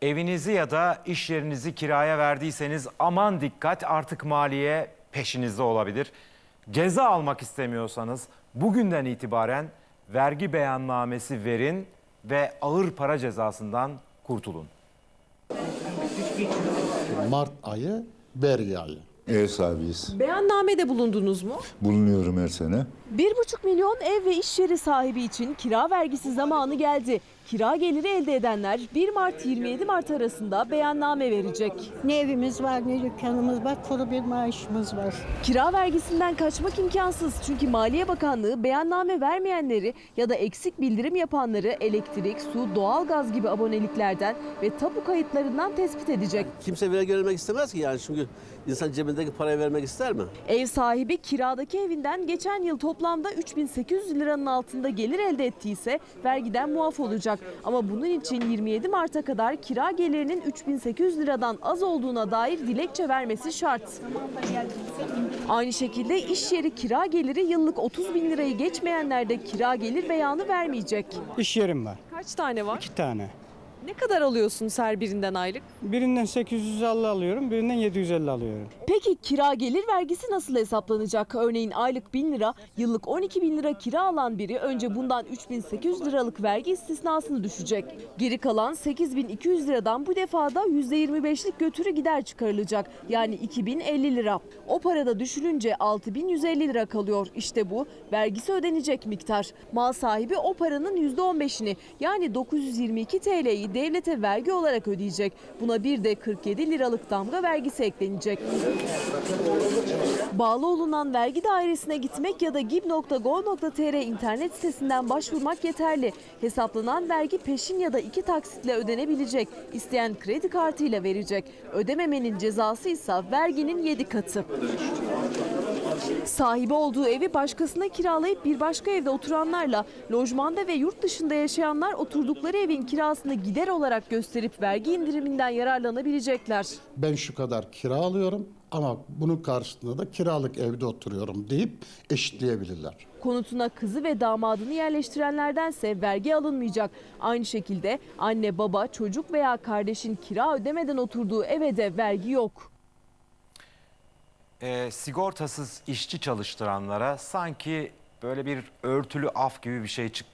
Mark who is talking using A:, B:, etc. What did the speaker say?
A: Evinizi ya da iş yerinizi kiraya verdiyseniz aman dikkat, artık maliye peşinizde olabilir. Ceza almak istemiyorsanız bugünden itibaren vergi beyannamesi verin ve ağır para cezasından kurtulun.
B: Mart ayı vergi ayı.
C: Ev sahibiyiz.
D: Beyannamede bulundunuz mu?
C: Bulunuyorum her sene.
D: 1,5 milyon ev ve iş yeri sahibi için kira vergisi zamanı geldi. Kira geliri elde edenler 1 Mart-27 Mart arasında beyanname verecek.
E: Ne evimiz var, ne dükkanımız var, kuru bir maaşımız var.
D: Kira vergisinden kaçmak imkansız çünkü Maliye Bakanlığı beyanname vermeyenleri ya da eksik bildirim yapanları elektrik, su, doğalgaz gibi aboneliklerden ve tapu kayıtlarından tespit edecek.
F: Kimse vergi vermek istemez ki yani, çünkü insan cebindeki parayı vermek ister mi?
D: Ev sahibi kiradaki evinden geçen yıl toplamda 3.800 liranın altında gelir elde ettiyse vergiden muaf olacak. Ama bunun için 27 Mart'a kadar kira gelirinin 3.800 liradan az olduğuna dair dilekçe vermesi şart. Aynı şekilde iş yeri kira geliri yıllık 30 bin lirayı geçmeyenler de kira gelir beyanı vermeyecek.
G: İş yerim var.
D: Kaç tane var?
G: 2 tane.
D: Ne kadar alıyorsunuz her birinden aylık?
G: Birinden 850 alıyorum, birinden 750 alıyorum.
D: Peki kira gelir vergisi nasıl hesaplanacak? Örneğin aylık 1000 lira, yıllık 12 bin lira kira alan biri önce bundan 3800 liralık vergi istisnasını düşecek. Geri kalan 8200 liradan bu defada %25'lik götürü gider çıkarılacak. Yani 2050 lira. O parada düşününce 6150 lira kalıyor. İşte bu vergisi ödenecek miktar. Mal sahibi o paranın %15'ini yani 922 TL'yi devlete vergi olarak ödeyecek. Buna bir de 47 liralık damga vergisi eklenecek. Bağlı olunan vergi dairesine gitmek ya da gib.gov.tr internet sitesinden başvurmak yeterli. Hesaplanan vergi peşin ya da 2 taksitle ödenebilecek. İsteyen kredi kartıyla verecek. Ödememenin cezası ise verginin 7 katı. Sahibi olduğu evi başkasına kiralayıp bir başka evde oturanlarla lojmanda ve yurt dışında yaşayanlar oturdukları evin kirasını gider olarak gösterip vergi indiriminden yararlanabilecekler.
B: Ben şu kadar kira alıyorum ama bunun karşılığında da kiralık evde oturuyorum deyip eşitleyebilirler.
D: Konutuna kızı ve damadını yerleştirenlerdense vergi alınmayacak. Aynı şekilde anne, baba, çocuk veya kardeşin kira ödemeden oturduğu eve de vergi yok.
A: Sigortasız işçi çalıştıranlara sanki böyle bir örtülü af gibi bir şey çıktı.